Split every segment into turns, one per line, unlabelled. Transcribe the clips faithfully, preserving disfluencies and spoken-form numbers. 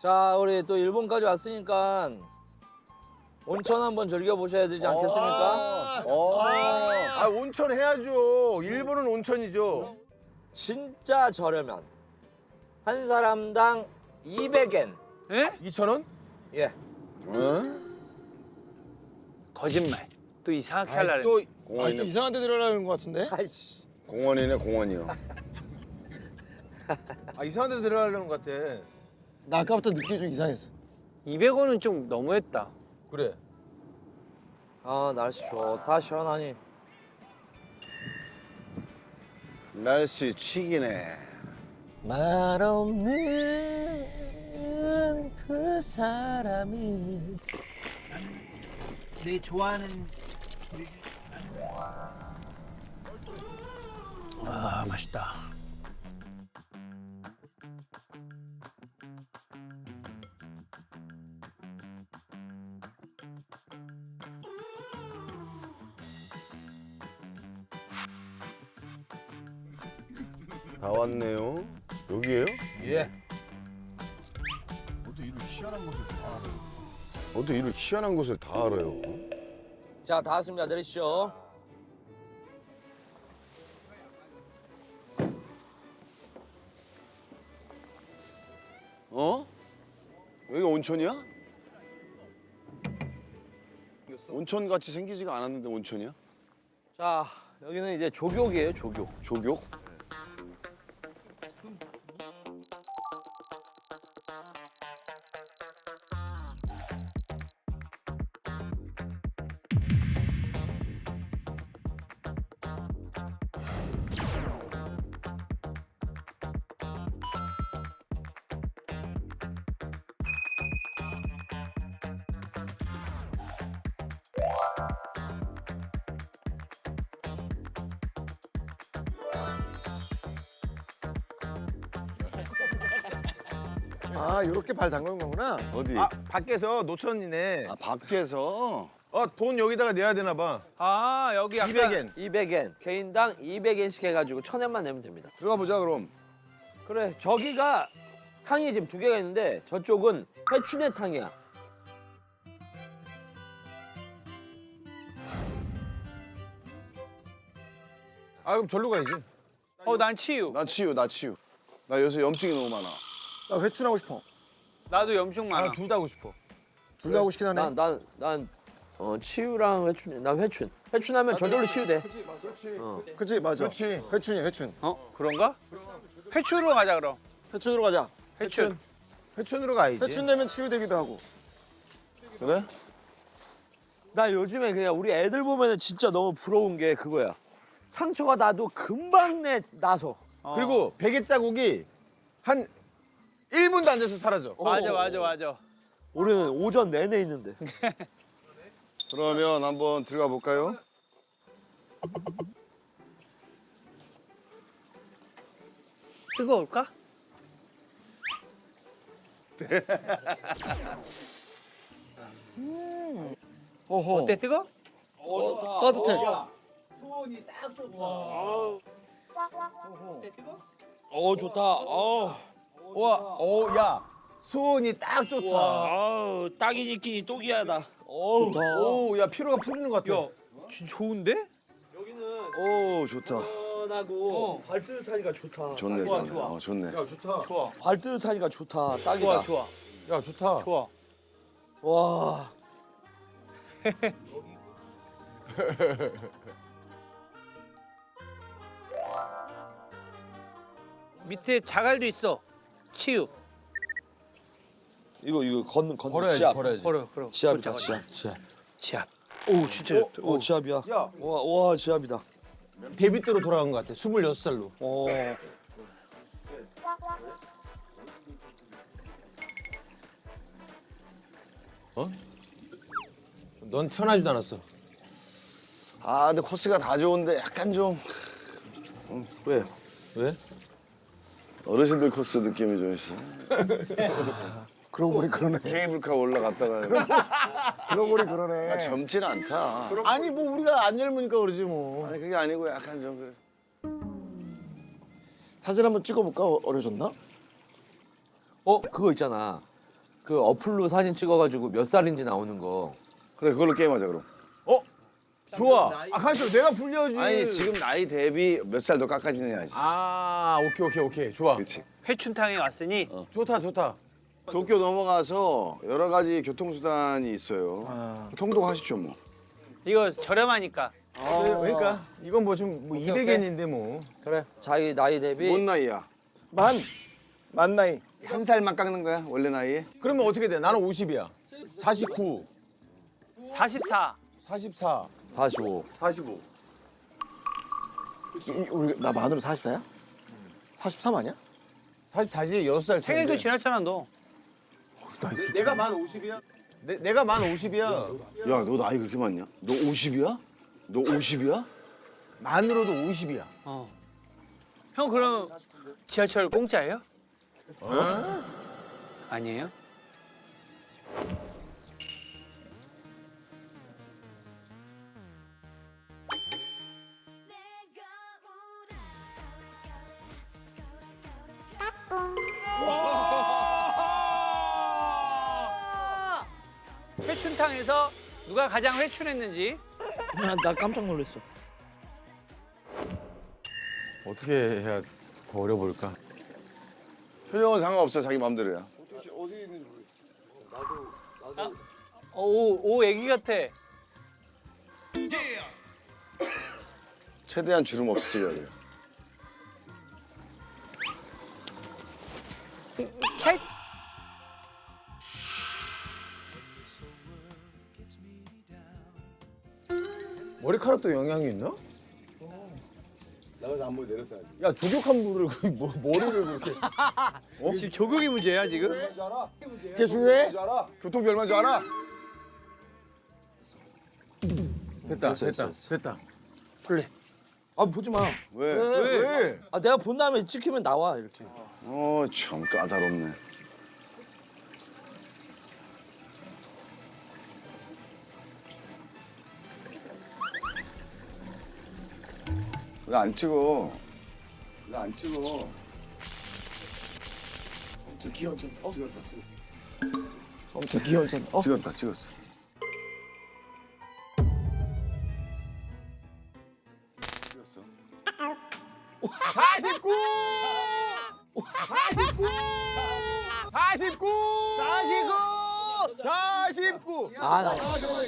자, 우리 또 일본까지 왔으니까 온천 한번 즐겨 보셔야 되지 않겠습니까?
어. 아 온천 해야죠. 일본은 온천이죠.
진짜 저렴한 한 사람당 이백 엔.
에?
이천 원?
예.
거짓말. 또 이상하게 하려고.
또
공원이네.
이상한 데 들어가는 것 같은데?
아이씨.
공원이네 공원이요.
아 이상한 데 들어가려는 것 같아.
나 아까부터 느낌이 좀 이상했어.
이백 원은 좀 너무했다.
그래.
아, 날씨 좋다 시원하니.
날씨 치기네.
말 없는 그 사람이
내 좋아하는 아 맛있다.
다 왔네요. 여기에요?
예.
어떻게 이런 희한한 곳을 다 알아요? 어떻게 이런 희한한 곳을 다 알아요?
자, 다 왔습니다. 내리시죠.
어? 여기가 온천이야? 온천 같이 생기지가 않았는데 온천이야?
자, 여기는 이제 조교이에요, 조교.
조교?
아 이렇게 발 담그는 거구나.
어디?
아 밖에서 노천이네.
아 밖에서?
어 돈 여기다가 내야 되나 봐.
아 여기 아까
이백 엔.
이백 엔. 개인당 이백 엔씩 해가지고 천 엔만 내면 됩니다.
들어가 보자 그럼.
그래, 저기가 탕이 지금 두 개가 있는데 저쪽은 해춘의 탕이야.
아 그럼 절로 가야지.
어난 치유.
나 치유 나 치유. 나 요새 염증이 너무 많아.
나 회춘하고 싶어.
나도 염증 많아.
나둘 다 하고 싶어.
둘 다 하고 싶긴 하네.
난, 난, 난, 어, 치유랑 회춘, 난 회춘. 회춘하면 저절로 치유돼.
그치 맞아.
그렇지.
회춘이야 회춘.
어 그런가? 회추로 가자 그럼.
회춘으로 가자.
회춘.
회춘으로 가야지.
회춘 되면 치유되기도 하고.
그래?
나 요즘에 그냥 우리 애들 보면은 진짜 너무 부러운 게 그거야. 상처가 나도 금방 내, 나서.
어.
그리고 베개 자국이 한 일 분도 안 돼서 사라져.
맞아 맞아 맞아.
우리는 오전 내내 있는데.
그러면 한번 들어가 볼까요?
뜨거울까?
어허.
어때 뜨거?
따뜻해.
어, 좋다. 어,
와, 오, 야, 수온이 딱 좋다.
아우, 딱이니 끼니 또기야다. 어우.
오, 야 피로가 풀리는 것 같아.
야 진짜 좋은데?
여기는
오 좋다.
시원하고 발 뜨뜻하니까 좋다.
좋네
좋아,
좋네.
좋아.
어, 좋네.
야 좋다.
좋아
발 뜨뜻하니까 좋다. 딱이다.
좋아 좋아
야 좋다.
좋아.
와.
밑에 자갈도 있어. 치유.
이거 이거 건 건.
걸어야지,
지압.
걸어야지.
걸어 걸어.
지압이다,
걷자,
지압.
걷자. 지압. 오 진짜.
어, 어, 지압이야.
야.
와, 와, 지압이다.
데뷔 때로 돌아간 것 같아. 스물여섯 살로.
어.
넌 태어나지도 않았어.
아 근데 코스가 다 좋은데 약간 좀
왜?
왜?
어르신들 코스 느낌이 좀 있어.
그러고 보니 그러네.
케이블카 올라갔다가
그러고 보니 그러네.
아, 젊진 않다.
아니 뭐 우리가 안 젊으니까 그러지 뭐.
아니 그게 아니고 약간 좀 그래.
사진 한번 찍어볼까? 어- 어려졌나?
어, 그거 있잖아. 그 어플로 사진 찍어가지고 몇 살인지 나오는 거.
그래 그걸로 게임하자 그럼.
좋아. 아 가만있어. 내가 불려야지.
아니 지금 나이 대비 몇 살 더 깎아지느냐지.
아 오케이 오케이 오케이. 좋아.
그렇지.
회춘탕에 왔으니
좋다 좋다.
도쿄 넘어가서 여러 가지 교통수단이 있어요. 통도하시죠 뭐.
이거 저렴하니까.
그래, 그러니까 이건 뭐 좀 뭐 이백 엔인데 뭐.
그래. 자기 나이 대비.
뭔 나이야?
만. 만 나이.
한 살만 깎는 거야 원래 나이에?
그러면 어떻게 돼? 나는 오십이야. 사십구.
사십사.
사십사.
사십오.
사십오.
우리 나 만으로 사십사야? 사십삼 아니야?
사십사지 여섯 살 차인데.
생일도 지났잖아 너.
내가 만 오십이야? 내, 내가 만 오십이야.
야 너 나이 그렇게 많냐? 너 오십이야? 너 오십이야?
만으로도 오십이야.
어. 형 그럼 지하철 공짜예요? 어? 아니에요? 회춘탕에서 누가 가장 회춘했는지.
나, 나 깜짝 놀랐어.
어떻게 해야 더 어려 보일까?
표정은 상관없어 자기 마음대로야.
오, 오 애기 같아.
최대한 주름 없으려고 해요.
캣.
머리카락도 영향이 있나?
나가서 한번 내렸어야지.
야 조격한 물을 그 뭐, 머리를 그렇게.
어? 지금 조국이 문제야 지금?
그게 중요해?
교통비 얼마인 줄 알아?
됐다
됐어,
됐다
됐어.
됐다.
플레.
아 보지 마.
왜?
왜? 왜?
아 내가 본 다음에 찍히면 나와 이렇게.
어 참 까다롭네. 왜 안 찍어? 왜 안 찍어? 저 귀여운 척. 어? 찍었다.
엄청 귀여운 척. 어?
찍었다. 찍었어. 찍었어.
사십구! 사십구! 사십구! 사십구! 사십구!
아 나.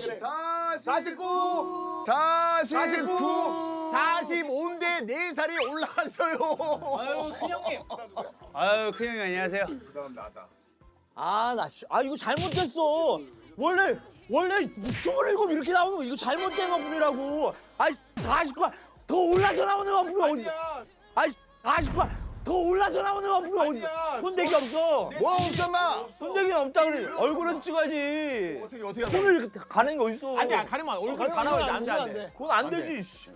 사십구!
사십구.
사십오인데 네 살이 올라갔어요.
아유 큰형님. 아유 큰형님 안녕하세요.
아, 나, 씨- 아, 이거 잘못됐어. 원래, 원래 스물일곱 이렇게 나오는 거, 이거 잘못된 어플이라고. 아이, 사십구, 더 올라서 나오는 어플이 어디, 아이, 사십구, 더 올라서 나오는 어플이 어디,
아니야.
손대기 없어.
뭐 없어 마.
손대기 없다 그래. 얼굴은 찍어야지.
어떻게 어떻게 하면
손을 이렇게 가는 게 어딨어.
안돼 가리면 얼굴 다 나와야 돼 안돼 안돼.
그건 안 되지, 씨.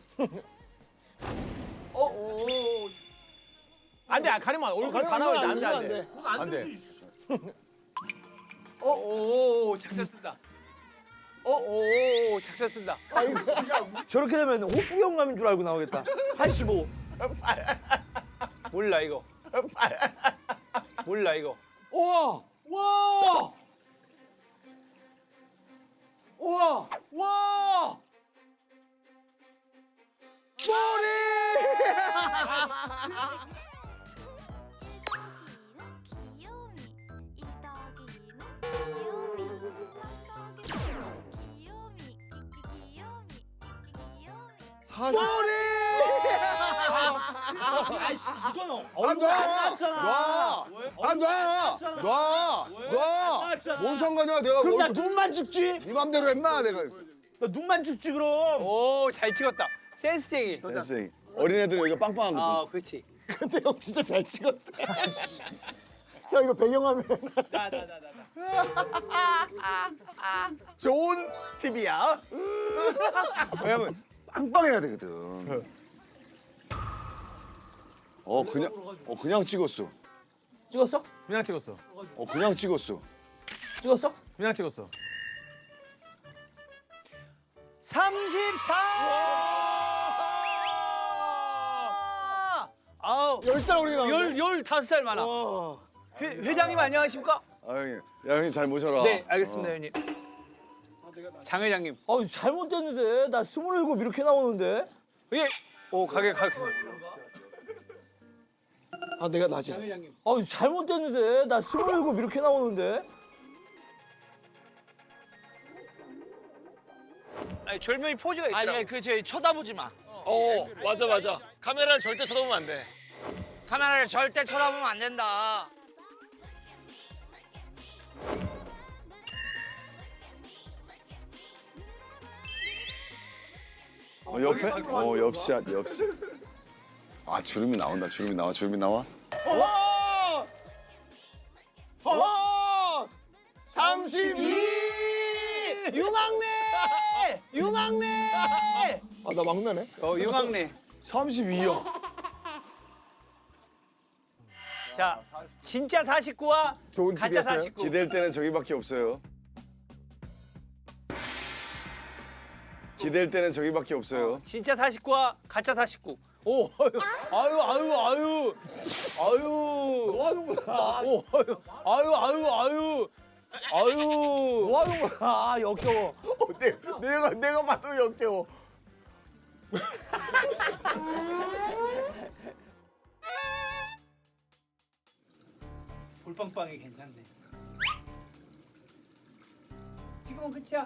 안돼 가리면 얼굴 다 나와야 돼 안돼 안돼.
그건 안
안 돼.
되지.
어오 작전 쓴다. 어오 작전 쓴다.
저렇게 되면 호프 경감인 줄 알고 나오겠다. 팔십오.
몰라 이거. 몰라 이거.
우와! 와! 우와! 와! 소리! 소리! 아이씨, 이건 얼굴 안 나왔잖아.
놔! 아, 놔! 놔! 놔!
나왔잖아.
뭔 상관이야? 내가
그럼 나
얼굴
눈만 찍지?
네 맘대로 했나 내가.
나 눈만 찍지 그럼.
오 잘 찍었다. 센스쟁이.
됐어. 어린애들은 여기가 빵빵한 거든.
아 그렇지.
근데 형 진짜 잘 찍었다. 형 이거 배경화면.
나나나 나.
좋은 팁이야.
왜냐면 빵빵해야 되거든. 어 그냥 어 그냥 찍었어.
찍었어?
그냥 찍었어.
어 그냥 찍었어.
찍었어?
그냥 찍었어.
삼십사. 아우
열 살 어리게 나오네.
열 열다섯 살 많아. 회, 회장님 안녕하십니까?
아 형님, 야 형님 잘 모셔라.
네, 알겠습니다,
어.
형님. 장 회장님.
아 잘못됐는데 나 스물일곱 이렇게 나오는데.
예. 오, 가게 가게.
아 내가 낮이.
장 회장님.
아 잘못됐는데 나 스물일곱 이렇게 나오는데.
아니, 졸명이 포즈가 있더라고.
아니 그 저희 쳐다보지 마.
어, 맞아 맞아. 카메라를 절대 쳐다보면 안 돼.
카메라를 절대 쳐다보면 안 된다.
어, 옆에? 어 옆샷 옆샷. 아 주름이 나온다. 주름이 나와. 주름이 나와.
어! 어! 삼십이!
유망래! 유망래!
아 나 막내네.
어, 유망래.
삼십이요.
자, 진짜 사십구와
좋은
가짜
팁이었어요.
사십구.
기댈 때는 저기밖에 없어요. 기댈 때는 저기밖에 없어요.
진짜 사십구와 가짜 사십구. 오, 아유, 아유, 아유, 아유. 뭐 하는 거야? 오, 아유, 아유, 아유, 아유, 아유.
뭐 하는 거야? 아 역겨워.
어, 내, 내가 내가 봐도 역겨워.
불빵빵이 괜찮네. 지금은 끝이야.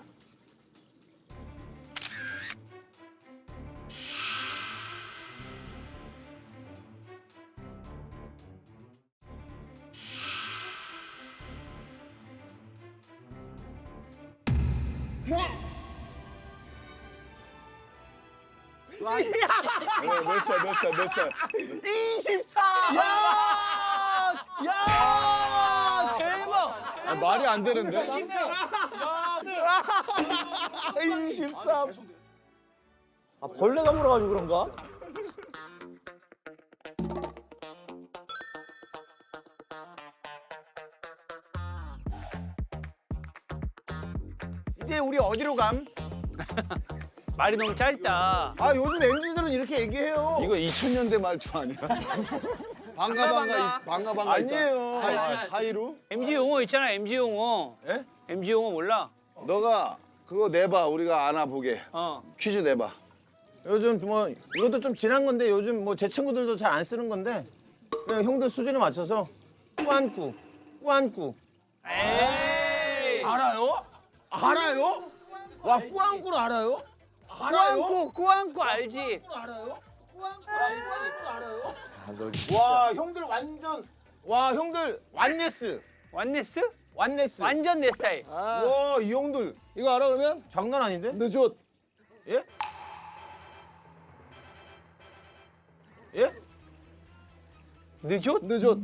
어, 몇 살, 몇 살, 몇 살.
이십사.
야, 대박.
아, 말이 안 되는데?
이십삼.
아 벌레가 물어가지고 그런가?
이제 우리 어디로 감?
말이 너무 짧다.
아 요즘 엠지들은 이렇게 얘기해요.
이거 이천 년대 말투 아니야? 반가 반가 이- 반가 반가
아니에요.
하이, 하이루?
엠지 용어 있잖아, 엠지 용어.
예?
엠지 용어 몰라?
너가 그거 내봐. 우리가 알아보게.
어.
퀴즈 내봐.
요즘 뭐 이것도 좀 지난 건데 요즘 뭐 제 친구들도 잘 안 쓰는 건데 그냥 형들 수준에 맞춰서 꾸안꾸, 꾸안꾸.
에이.
알아요? 알아요? 와 꾸안꾸를 알아요?
꾸안꾸, 꾸안꾸 알지?
알아요? 꾸안꾸 알아요? 와 형들 완전 와 형들 완네스,
완네스?
완네스.
완전 내 스타일.
와 이 형들 이거 알아 그러면? 장난 아닌데? 늦었. 예? 예?
늦었?
늦었.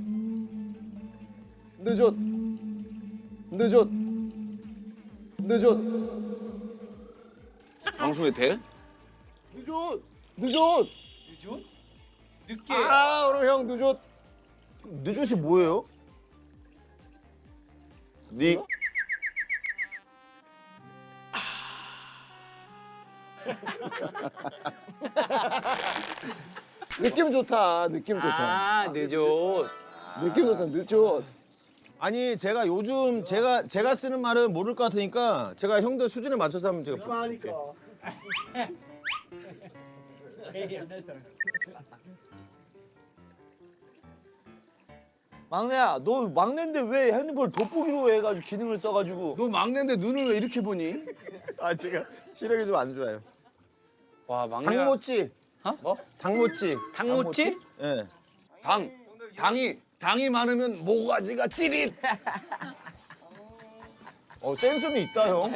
늦었. 늦었. 늦었.
방송에 돼?
늦었. 늦었.
늦게.
아 오늘 형 늦었. 늦었이 뭐예요?
니
느낌 좋다. 느낌 좋다.
아, 늦었.
느낌 좋다. 늦었. 아니 제가 요즘 제가 제가 쓰는 말은 모를 것 같으니까 제가 형들 수준에 맞춰서 한번 제가 볼게요.
막내야 너 막내인데 왜 핸드폰 돋보기로 해가지고 기능을 써가지고.
너 막내인데 눈을 왜 이렇게 보니?
아 제가 시력이 좀 안 좋아요.
와, 막내가.
당모찌.
어?
뭐? 당모찌.
당모찌?
예.
당 당이 당이 많으면 모가지가 찌릿.
어 센스는 있다 형.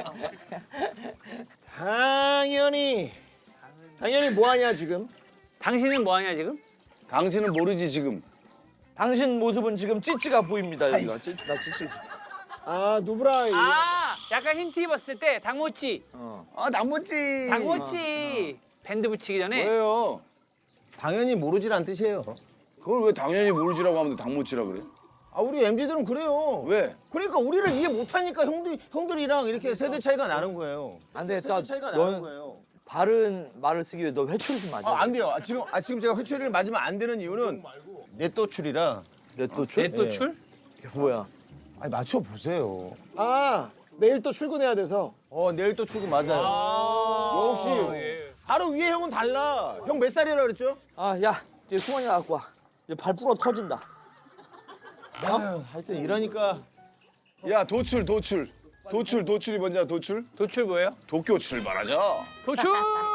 당연히 당연히 뭐 하냐 지금?
당신은 뭐 하냐, 지금?
당신은 모르지 지금.
당신 모습은 지금 찌찌가 보입니다 여기가. 찌, 나 찌찌.
아 누브라.
아, 약간 힌트 입었을 때 당모찌.
아 남모찌.
당모찌. 밴드 붙이기 전에.
왜요?
당연히 모르지란 뜻이에요.
그걸 왜 당연히 모르지라고 하면 당모찌라 그래?
아 우리 엠지들은 그래요.
왜?
그러니까 우리를 이해 못하니까 형들 형들이랑 이렇게 세대 차이가 나는 거예요.
안 되겠다.
세대 차이가 나는
넌
거예요.
바른 말을 쓰기 위해 너 회초리 좀 맞아.
아, 안 돼요. 아, 지금 아, 지금 제가 회초리를 맞으면 안 되는 이유는 넷도출이라.
내 또 출?
넷도출?
이게 뭐야?
아니 맞춰 보세요.
아 내일 또 출근해야 돼서.
어 내일 또 출근 맞아요. 역시 바로 위에 형은 달라. 형 몇 살이라 그랬죠?
아, 야, 이제 수건이나 갖고 와. 이제 발 부러 터진다.
아유, 하여튼 이러니까
야 도출 도출 도출 도출이 뭔지 알아? 도출?
도출 뭐예요?
도쿄 출발하자.
도출!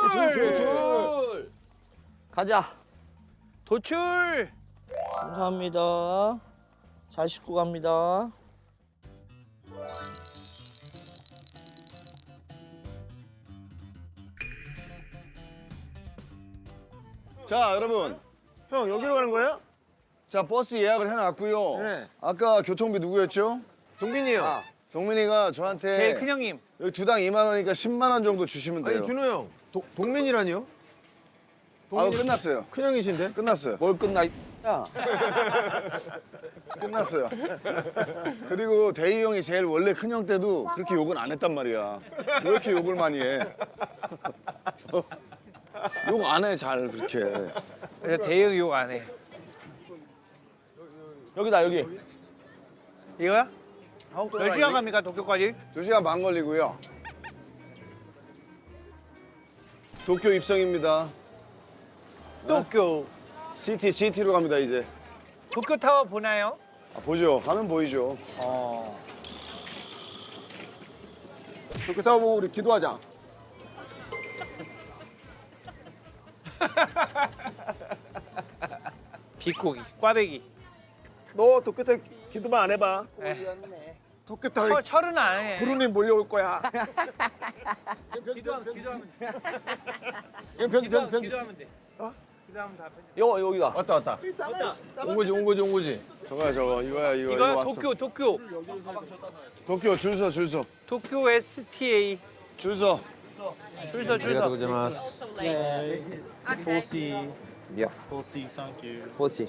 출.
가자.
도출!
감사합니다. 잘 씻고 갑니다.
자 여러분,
형 여기로 가는 거예요?
자 버스 예약을 해놨고요.
네.
아까 교통비 누구였죠?
동빈이 형.
동민이가 저한테
제일 큰 형님.
여기 두당 이만 원이니까 십만 원 정도 주시면 돼요.
아니 준호 형. 도, 동민이라니요?
아우 끝났어요.
큰 형이신데?
끝났어요.
뭘 끝나? 야,
끝났어요. 그리고 대희 형이 제일 원래 큰 형 때도 그렇게 욕은 안 했단 말이야. 왜 이렇게 욕을 많이 해? 욕 안 해 잘 그렇게.
그래서 대형 욕 안 해.
여기다 여기.
이거야? 몇 시간 갑니까 도쿄까지?
두 시간 반 걸리고요. 도쿄 입성입니다.
도쿄.
시티 시티로 갑니다 이제.
도쿄 타워 보나요?
아, 보죠. 가면 보이죠.
어.
도쿄 타워 보고 우리 기도하자.
비코기, 꽈배기.
너 도쿄 타워 기도만 안 해봐. 도쿄 타워
철, 철은 안 해.
구름이 몰려올 거야.
기도하면, 기도하면 돼.
이건 편집 편집 편집.
기도하면 돼. 기도하면 다 편집.
여 여기다.
왔다 왔다. 온 거지 온 거지 온 거지.
저거야 저거 이거야 이거
이거
왔어.
도쿄, 도쿄.
도쿄 줄 서 줄 서.
도쿄 에스티에이.
줄 서.
줄 서, 줄 서.
고자마스.
Fosse,
야,
fosse, thank you.
보시.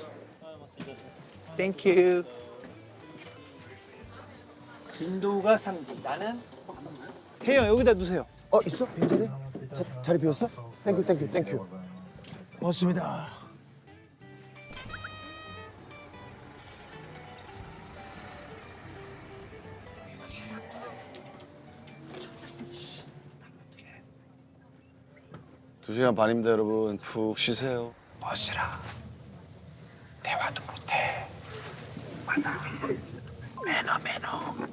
땡큐. 빈도가 삼 디. 나는 태형 여기다 두세요.
어 있어? 빈자리? 자, 자리 비었어? 땡큐 땡큐 땡큐. 고맙습니다.
두 시간 반입니다 여러분. 푹 쉬세요.
멋지라. 대화도 못해. 맞아. 매너 매너.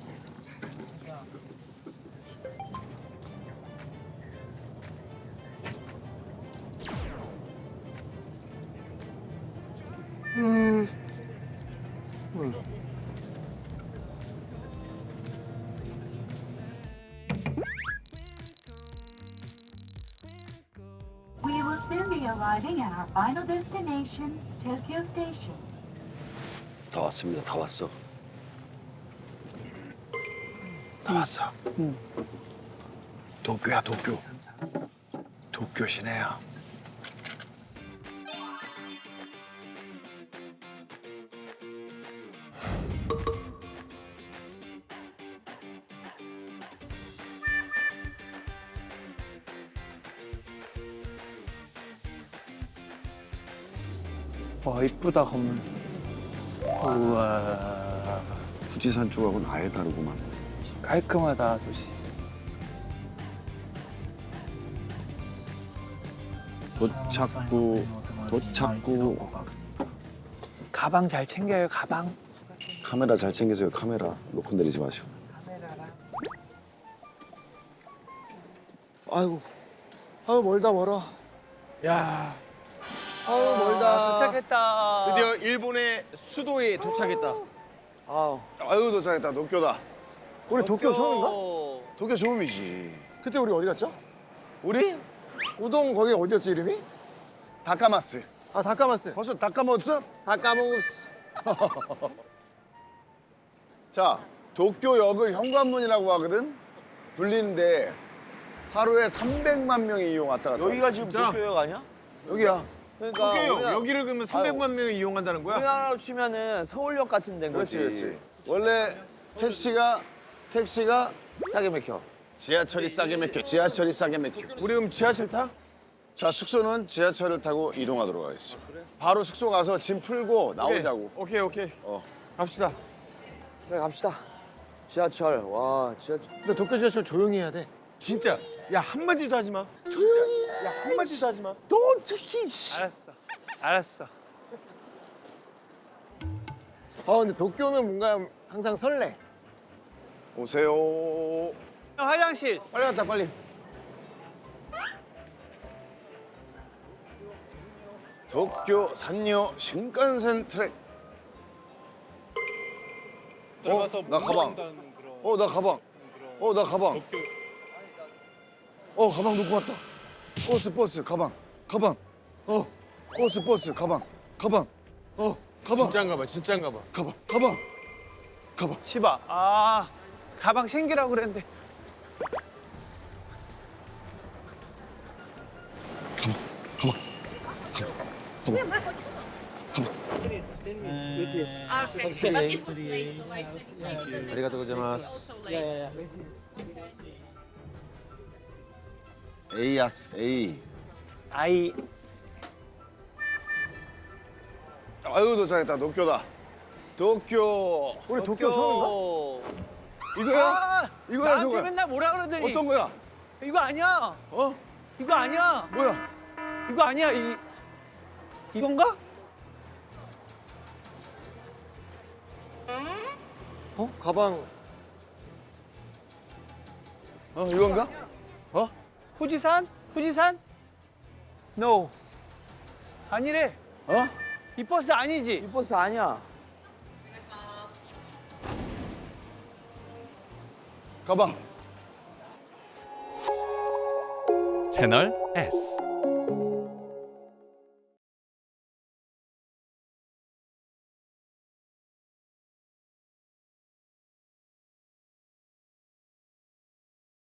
We will soon be arriving at our final destination, Tokyo Station.
다 왔습니다. 다 왔어.
다 왔어. 응. 도쿄야 도쿄. 도쿄 시내야.
와 이쁘다 건물. 우와
富士山 쪽하고는 아예 다르구만.
깔끔하다 도시.
도착구 도착구
가방 잘 챙겨요 가방.
카메라 잘 챙기세요. 카메라 놓고 내리지 마시고.
아이고. 아유 멀다 멀어. 야.
아우 멀다.
도착했다.
드디어 일본의 수도에 도착했다.
아우.
아유 도착했다. 도쿄다.
우리 도쿄 처음인가?
도쿄 처음이지.
그때 우리 어디 갔죠?
우리
우동 거기 어디였지 이름이?
다카마스.
아 다카마스.
벌써 다 까먹었어?
다카마스.
자, 도쿄역을 현관문이라고 하거든. 불리는데 하루에 삼백만 명이 이용 왔다 갔다.
여기가 지금
진짜?
도쿄역 아니야?
여기야.
그러니까
도쿄요.
우리나라-
여기를 그러면 삼백만 명이 이용한다는 거야?
우리나라로 치면은 서울역 같은 데인 거지.
그렇지, 그렇지. 원래 택시가 택시가
싸게 맥혀.
지하철이 싸게 막혀. 지하철이 싸게 막혀.
우리 그럼 지하철 타?
자, 숙소는 지하철을 타고 이동하도록 하겠습니다. 바로 숙소 가서 짐 풀고 나오자고.
오케이 오케이.
어.
갑시다.
그래 갑시다.
지하철 와 지하철. 근데 도쿄 지하철 조용히 해야 돼. 진짜. 야 한마디도 하지 마. 조용히. 야 한마디도 하지 마.
너 특히 씨.
알았어. 알았어.
어 근데 도쿄 오면 뭔가 항상 설레.
오세요.
형, 화장실.
빨리 갔다 빨리.
도쿄 산요 신칸센 트랙. 어, 나 가방. 어, 나 가방. 어, 나 가방. 어, 가방 놓고 왔다. 버스, 버스, 가방, 가방. 어, 버스, 버스, 가방, 가방. 어, 가방,
진짜인가 봐 진짜인가 봐.
가방, 가방, 가방.
치바. 아, 가방 챙기라고 그랬는데.
아리가토 고자이마스.
에이야스, 에이.
아이.
아유, 도착했다. 도쿄다. 도쿄.
우리 도쿄 처음인가?
이거야?
아,
이거야,
나한테
저거야?
맨날 뭐라 그러더니.
어떤 거야?
이거 아니야.
어?
이거 아니야.
뭐야?
이거 아니야. 이 이건가?
어 가방.
어, 이건가? 어?
후지산? 후지산? No. 아니래.
어?
이 버스 아니지.
이 버스 아니야.
가방.
채널 S